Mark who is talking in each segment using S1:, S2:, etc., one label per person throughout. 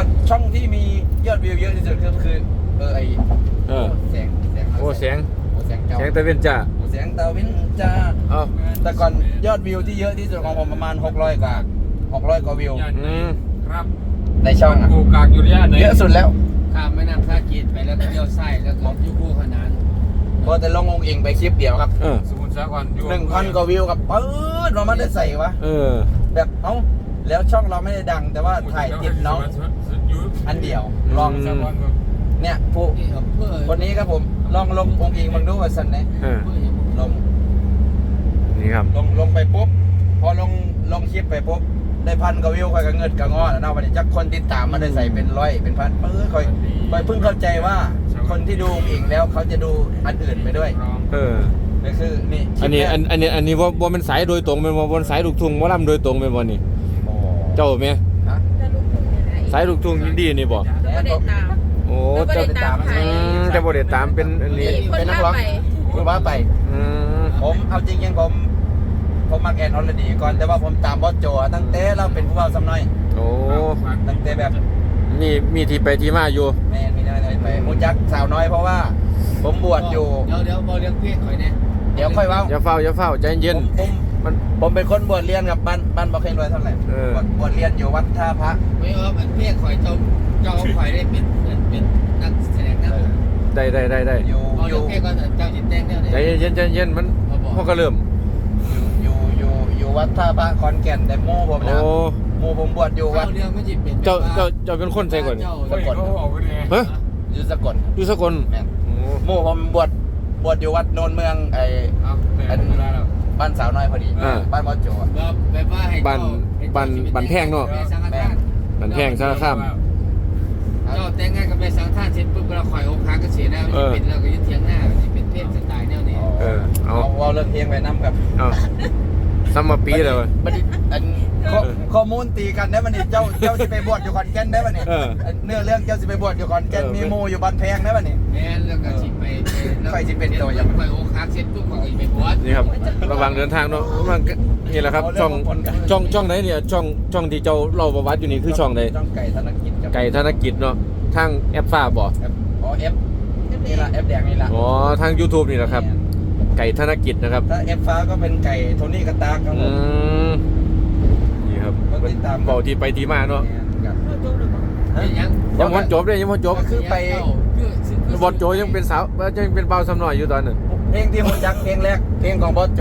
S1: ช่องที่มียอดวิวเยอะที่สุดก็คือไอแสง
S2: โอ้แสง
S1: แสงเจ้า
S2: แสงตะเวนจ้า
S1: แสงตะเวนจ้า
S2: เอ้า
S1: แต่ก่อนยอดวิวที่เยอะที่สุดของผมประมาณ600กว่าวิว
S3: ครับ
S1: ในช่องอ่ะ
S3: กูกากอยู่ย่านไหน
S1: เยอะสุดแล้ว
S4: ข้ามแม่น้ำท่าจีนไปแล้วก็เลี้ยวซ้ายแล้วก็ยุคู่ขนาน
S1: พอแต่ลงองค์เองไปคลิปเดียวครับ
S3: สมุทรสาครอยู่
S1: 1,000 กว่าวิวกับปื๊ดเราไม่ได้ใส่วะแบบแล้วช่องเราไม่ได้ดังแต่ว่าถ่ายติดน้องอันเดียวลองเนี่ยผู้คนนี้ครับผมลองลงองค์เองมึงดูว่าสันไหนลง
S2: นี่ครับ
S1: ลงไปปุ๊บพอลงคลิปไปปุ๊บได้1,000 กว่าวิวค่อยก็เงินก็งอแล้วเนาะวันนี้จักคนติดตามมาได้ใส่เป็นร้อยเป็นพันค่อยเพิ่งเข้าใจว่าคนที่ดูองค์เองแล้วเขาจะดูอันอื่นไปด้วยนี่คือนี่
S2: อันนี้ว่ามันสายโดยตรงเป็นว่าสายลูกทุ่งว่าลำโดยตรงเป็นวันนี้เจ้าไหมสายลูกทุ่งดีนี่บ่โอ้เจ้าจะบ่ได้ตามเป็นอันนี้
S1: เป็นนักร้องคือว่าไปผมเอาจริงๆผมมักแอนออลดีก่อนแต่ว่าผมตามบอสโจตั้งแต่เราเป็นผู้เฒ่าซ้ำน้อย
S2: โอ้
S1: ตั้งแต่แบบ
S2: มีที่ไปที่มาอยู่
S1: แม่มีอะไรไปมูจักสาวน้อยเพราะว่าผมบวชอยู่
S4: เดี๋ยวบอกเรื่องเพศข่อยเนี่ย
S1: เดี๋ยวค่อยว่า
S2: อย่าเฝ้าใจเย็น
S1: ผมเป็นคนบวชเรียนกับบ้านบ่เคยรวยเท่าไหร่บวชเรียนอยู่วัดท่าพระ
S4: ไม่ว่ามันเพศข่อยเจ้าข่อยได้เป็นนักแสดงนะ
S2: ได้
S4: อยู่เพศก็เจ้าจิตแดงเนี่ย
S2: ใจเย็นมันพอก็เริ่ม
S1: อยู่วัดท่าพระขอนแก่นแต่โม่ผมนะโม่ผมบวชอยู่วัด
S2: เจ้าเป็นคนใส่ก่อน
S1: สกล
S2: ฮะ
S1: อยู่สกลโม่ผมบวชอยู่วัดโนนเมืองบ้านสาวน้อยพอดีบ้านบอสโจ
S2: บ้านแพงเนาะบ้านแพงสารคาม
S4: เจ้าแต่งงานกับไปสังท่านเสร็จปุ๊บเราข่อยองค์ค้างก็เสียหน้าเป็นเราก็ยึดเทียงหน้าเป็นเพศสไตล์แนวนี้
S1: เอาเรื่องเพลงไปน้ำกับ
S2: ซ้ำมาปีเลย
S1: ข้อมูลตีกันได้บันนี้เจ้าสิไปบวชอยู่ขอนแก่นได้บันนี้เนื้อเรื่องเจ้าสิไปบวชอยู่ขอนแก่นมีโมอยู่บ้านแพงได้บันนี้
S4: แม่แล้วก็สิไป
S1: ใครสิเป็นตัวอย่าง
S4: ข่อยองค์ค้างเสร็จปุ๊บข่อยไปบวช
S2: นี่ครับระหว่างเดินทางเนาะนี่แหละครับช่องไหนเนี่ยช่องที่เจ้าเล่าประวัติอยู่นี่คือช่องไหน
S1: ช่องไก่ธน
S2: กิจเนาะทางแอปฟ้าบ่
S1: เอฟนี่ละแอปแดงนี่ละ
S2: ทาง YouTube นี่แหละครับไก่ธนกิจนะครับ
S1: ถ้าเอฟฟ้าก็เป็นไก่โทนี่กระตากครับผม
S2: นี่ครับบอกที่ไปที่มาเนาะยังพอจบเลยยังพอจบ
S1: คือไป
S2: บอสโจยังเป็นสาวยังเป็นเบาซ้ำหน่อยอยู่ตอนนั้น
S1: เพลงที่ผมจักเพลงแรกเพลงของบอสโจ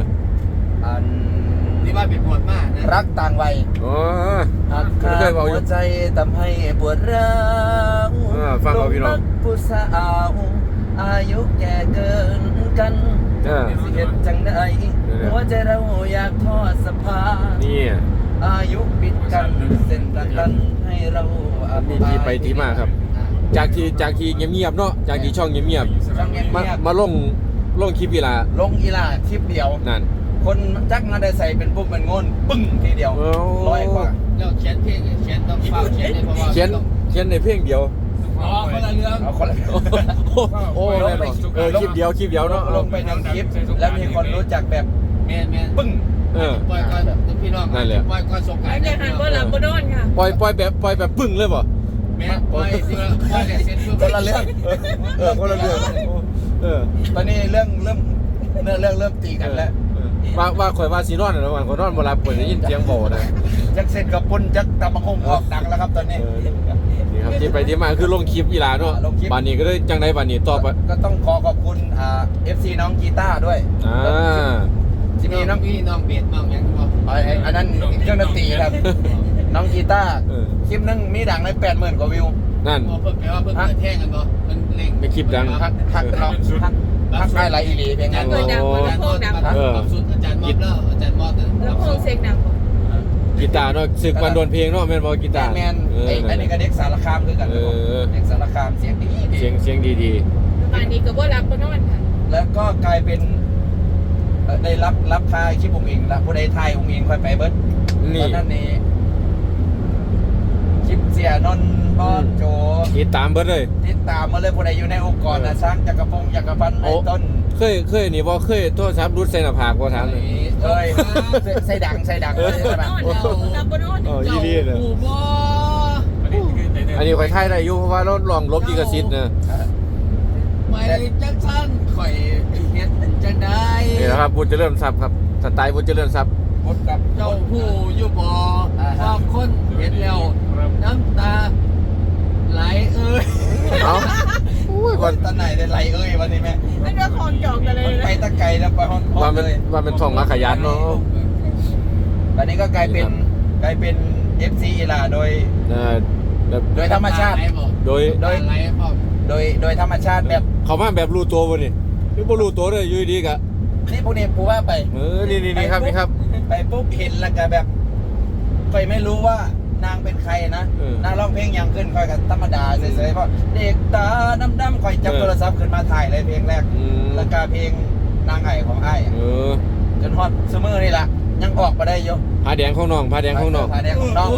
S4: ที่ว่าเป็นปวดมากนะ
S1: รักต่างวัย
S2: เคยบอกอยู่
S1: หัวใจทำให้ปวดร้าว
S2: ฟังเอาพี่น้อง
S1: ผู้สาวอายุแก่เกินกันสิเหตุจังใดหัวใจเราอยากทอดสะพาน
S2: นี่
S1: อายุปิดกันเส้นประกันให้เรา
S2: มีที่ไปที่มาครับจากที่เงียบๆเนาะจากที่ช่องเงียบมาลงคลิปอีลา
S1: คลิปเดียว
S2: นั่น
S1: คนจักมาได้ใส่เป็นปุ๊บมันงนปึ้งทีเดียว100 กว่า
S4: แล้วเขียนเพลงเขียนต้องฟังเขียนในเพราะว่า
S2: เขียนในเพลงเดียว
S4: คนละเรื่อง
S1: คนละ
S2: โอ้คลิปเดียวเนาะ
S1: ลงไป1 คลิปแล้วมีคนรู้จักแบบ
S4: แม่
S1: ปึ้ง
S4: ปล่อยก่อนพี่น้องนั่นแหละปล่อยก่อนส่งไก่
S5: อย่าหันบ่หลับบ่นอนค่ะ
S2: ปล่อยแบบปึ้งเลยบ่
S4: แม่ปล่อยเสร็จ
S1: คนละเรื่อง
S2: คนละเรื่อง
S1: ตอนนี้เริ่มตีกันแล้ว
S2: ว่าข่อยว่าสีนอนนะวันข่อยนอนบ่หลับข่อยได้ยินเสียงโบนะ
S1: จักเสร็จกับปุ่นจักตำบักหุ่งออกดังแล้วครับตอนนี้
S2: นี่ครับที่ไปที่มาคือลงคลิปอีหลาเนาะบ้านนี้ก็ได้จังไดบ้านนี้ต่อไป
S1: ก็ต้องขอบคุณFC น้องกีตาร์ด้วย
S4: จะมีน้องเบสน้องยังบ่
S1: อันนั้นเครื่องดนตรีครับน้องกีตาร์คลิปนึงมีดังได้80,000 กว่าวิว
S2: นั่น
S4: เพิ่นแปลว่าเพิ่นแท่งกันบ่เพิ่นเล่ง
S2: เป็นคลิปดัง
S1: ทักได้หลายอีหลีเพลงนั้น
S4: อาจารย์มอดแล้ว
S5: โพงเสียงดัง
S2: กีตาร์เนาะศึกวันโดนเพลงเนาะแม่นบ่กีตาร์
S1: แม่นอันนี้ก็เด็กสารคามคือกันเด็กสารคามเสียงดี
S2: เสียงดี
S5: ป่านนี้ก็บ่หลับบ่นอนค่ะ
S1: แล้วก็กลายเป็นได้รับทายคลิปผมเองละผู้ใดทายผมเองค่อยไปเบิดตอนนั้นนี่คลิปเสียนนบอสโจ
S2: ติดตามเบิดเลย
S1: ติดตามมาเลยผู้ใดอยู่ในองค์กรสร้างจักรพงศ์จักรพันธ์ในต้น
S2: เคยนี่บ่เคยโทรศัพท์รุดใส่หน้าผากบ่ถามเลย
S1: ใส่ดังเลย
S5: หลับบ่นอน
S2: ยี่ดีเลย
S4: โอ้บ่
S2: อันนี้ข่อยถ่ายได้อยู่เพราะว่าเราลองลบลิขสิทธิ์นะ
S4: ไม่จังสั้นข่อยเฮ็ดจังได้
S2: นี่แหละครับบุญเจริญทรัพย์ครับสไตล์บุญเจริญทรัพย์
S1: พดกับ
S4: เจ้าผู้อยู่บ่บางคนเห็นแล้วน้ำตาไหลเอ้ย
S2: เอาอุ้ย
S1: วั
S2: วัน
S1: นตะไหนได้ไรเอ้ยวันนี้แม่
S5: ไม่ได้คลองจองกันเลย
S1: ไปตะไกลแล้วไปห้อง
S2: ว่ามัน
S1: เลย
S2: ว่าเป็นท่องมาขยันเนาะ
S1: ตอนนี้ก็กลายเป็น FC อีหลาโดย
S2: แบบ
S1: โดยธรรมชาติ
S2: โดย
S1: โดย
S4: ไหลพ่อ
S1: โดยธรรมชาติแบบ
S2: เขามาแบบรู้ตัวบ่นี่หรือบ่รู้ตัวเลยอยู่ดีๆกะ
S1: นี่พวกนี้ปูว่าไป
S2: นี่ครับนี่ครับ
S1: ไปปุ๊บเห็นแล้วก็แบบค่อยไม่รู้ว่านางเป็นใครนะ
S2: เออ
S1: นางร้องเพลงยังขึ้นค่อยกับธรรมดาเฉยๆเพราะเด็กตาดำๆค่อยจับโทรศัพท์ขึ้นมาถ่ายเลยเพลงแรก
S2: อืม
S1: แล้วก็เพลงนางไห้ของไอ้าย
S2: เออ
S1: จนฮอตซูเมอร์นี่แหละยังออกมาได้อยู่
S2: ผ้าแดงของน้องผ้าแดงของน้อง
S1: ผาแดงของน้อง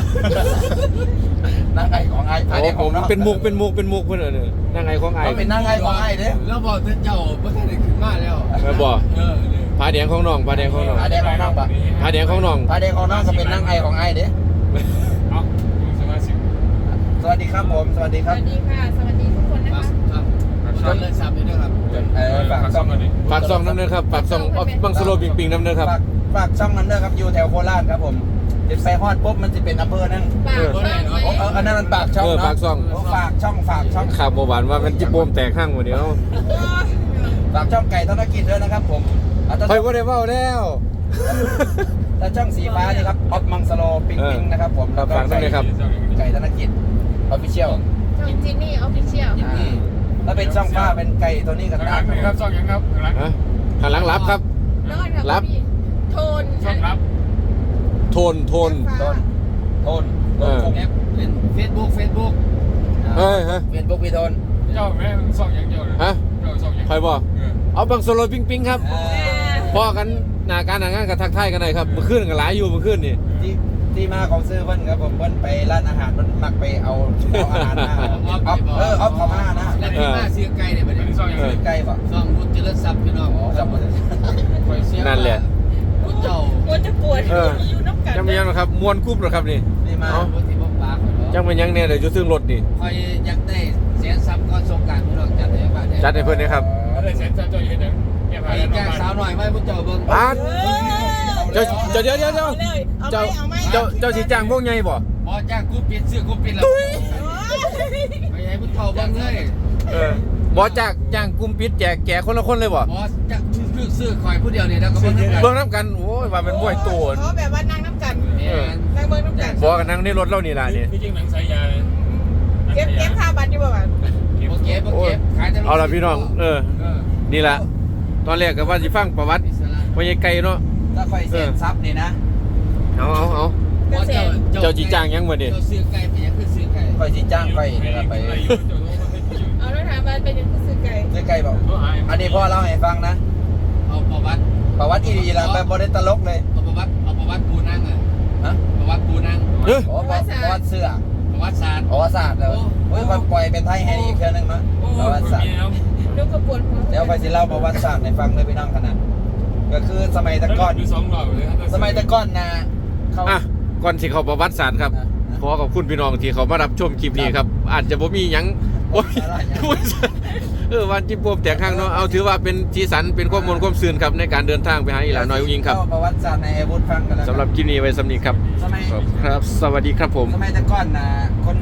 S1: นางไห้ของไอ้ายผาแดง
S2: โอ้
S1: ของ
S2: ผม
S1: น้อง
S2: เป็นมุกเพิ่นเด้อนางไงของไอ้
S1: ต้องเป็นนางไห้ของไอ้ายเด้อ
S4: แล้วบอกเจ้าบ่ทันได้ขึ้นมาแล้ว
S2: แม่บ่
S4: เนี่ย
S2: ผ้าแดงของน้องผ้าแดงของน้อง
S1: ผาแดงของน้องปะ
S2: ผ้าแดงของน้อง
S1: ผาแดงของน้องก็เป็นนางไห้ของไอ้ายเด้อ
S3: เอาสมาชิก
S1: สวัสดีครับผมสวัสดี
S5: ส
S1: ครับ
S5: วัสดีค่ะ สวัสดีทุกคนนะ
S4: ครั
S5: คะ
S4: บครับจนเลยซับด้วยครับ
S1: ฝากช่อง
S2: ฝากซองน้ำเด้อครับฝากซองบังสโลปิงน้ำเด้อครับ
S1: ฝากช่องนั้นเด้อครับอยู่แถวโคราชครับผมติดไปฮอดปุ๊บมันจะเป็นอำเภอนั่ง
S5: ปากช่องไว้
S1: อันนั้นมันปากช่อง
S2: ฝากช่อง
S1: ฝากช่อง
S2: ข่าวบ่หวานว่ามันจิโปมแตกข้างบ่เดียว
S1: ฝากช่องไก่ธนกิจด้วยนะครับผม
S2: ข่อยบ่ได้เว้าแล้ว
S1: แต่ช่องสีฟ้านี่ครับออฟมังสโลปิงนะครับผม
S2: ครับฝากด้วยนะครับ
S1: ไก่ธนกิจออฟฟิเชียล
S5: ช่องจินนี่ออฟฟิเชียล
S1: ถ้าเป็นช่องฟ้าเป็นไก่ตัวนี้กัน
S3: ข้างหลังนี่ครับซ่องยังครับข้างหลัง
S2: ฮะหันหลังรับครับ
S5: นอนค่ะ
S2: รับ
S5: โทน
S3: ซ่องรับ
S2: โทน
S1: โทน
S2: เออ
S4: แอปเป็น Facebook
S2: เฮ้ยฮะ
S1: เป็นพวกพี่โทน
S3: เจ้าแม่ซ่องยังเจ้าเลย
S2: ฮะ
S3: เจ้าซ่องยัง
S2: ข่อยบ่เอาบังสโลปิงครับพ่อกันหน้าการหน้างานก็ทักทายกันได้ครับเมื่อคืนก็หลายอยู่เมื่อคืนนี่
S1: ที่มาของซื้อเพิ่นครับผมเพิ่นไปร้านอาหารเพิ่นมักไปเอาอาหารมาออฟเขามานะ
S4: และที่มาซื้อไก่เนี่ยประเด็น
S3: ซ่องยัง
S1: ไก่ป่ะ
S4: ซ่องบุญเจริญทรัพย์พี่น้อง
S1: ครับผม
S2: นั่นแหละ
S4: ผู้เจ้า
S5: ปวดจะปวดอยู่น้ำกัน
S2: จังเป็นยังนะครับมวนคุ้มเหรอครับนี่
S1: นี่มา
S4: บุญที่บ่ปาก
S2: จังเป็นยังเนี่ยเดี๋ยวจะซึ่งรถนี่
S4: คอยอยากได้แสนซับก่อนสงกรานต์พี่น้องจัดให้บ้าน
S2: จัดให้เพิ่นนะครับ
S3: อะไรเสร็จเจ้ายืนยังแค่
S4: ไป
S3: ผ่านแล้ว
S4: แจ้งสาวหน่อยไหมผู้เจ้าเบิ่ง
S2: ปาดเจ้าเดี๋ยว
S5: เอาเลย
S2: เจ้า
S5: เอาไหม
S2: เจ้าสิจ้างพวกใหญ่บ่
S4: บ่จ้างกูเปลี่ยนซื้อกูเปลี่ยนแล้วไปให้ผู้เฒ่าเบิ่งเลย
S2: บ่จ้างกลุ่มปิดแจกแก่คนละคนเลยบ่
S4: บ่จะซื้อคอยผู้เดียวเนี่ยแล้วก็เบิ่ง
S2: เบิ่งนํกันโอ้ยว่าเป็นมวยโตน
S5: เขาแบบว่านั่งน้ำกัน
S4: แม่น
S5: นั่งเบิ้งน้ำกัน
S2: บ่กันนั่งในรถเรานี่ล่ะนี่
S3: พี่จริงหนังสายยา
S5: เก็บค่าบัตรอยู่ป่ะ
S4: บ่เก็บขายแต่
S2: เอาล่ะพี่น้องนี่ล่ะตอนแรกก็ว่าสิฟังประวัติพ่อใหญ่ไก่เนาะ
S1: ถ้าค่อยเสียซับนี่นะ
S2: เอา
S5: เกษตร
S2: เจ้าจีจ้างยังบ่นี่
S4: เจ้าซื้อไก่ไปยังคือซื้อไก่
S1: ค่อยสิจ้างค่อยนี่ละไป
S5: เอาแล้วถามว่าเป็นยังไงซื้อไก่
S1: ซื้อไก่บอกอันนี้พ่อเล่าให้ฟังนะ
S4: เอาประวัติ
S1: ประวัติอีดีละแบบบ่ได้ตลกเลย
S4: เอาประวัติปูนั่งอ่ะ
S1: ฮะ
S4: ประวัติปูนั่ง
S2: เฮ้ย
S1: อ๋อประวัติเสื้อ
S4: ประวัติศาสตร์
S1: ประวัติศาสตร์แล้วเฮ้ยค่อยปล่อยเป็นไทยให้อีกเทื่อนึงเนาะประวัติศาสตร์
S5: ลูกกระปวดหัว
S1: เดี๋ยวค่อยสิเล่าประวัติศาสตร์ให้ฟังเลยพี่น้องขนาดก็คือสมัยแตะก่อน
S3: ดูสองรอบเลย
S1: สมัยแตะก่อนนะเขา
S2: อ่ะก่อนสิเข้าประวัติศาสตร์ครับขอขอบคุณพี่น้องที่เขามารับชมคลิปนี้ครับ อาจจะบ่มีหยังโอ้ยวันจิโปมแตกข้างเนาะเอาถือว่าเป็นสีสันเป็นข้อมูลความซื่นครับในการเดินทางไปหาอีหลาน้อยอุ้งยิงครับ
S1: เล่าประวัติศาสตร์ในอาวุธฟังกันแล้วกัน
S2: สำหรับคลิปนี้ไว้สำนี้ครับ
S1: สมัย
S2: ครับ สวัสดีครับผม
S1: สมัยแตะก่อนนะคน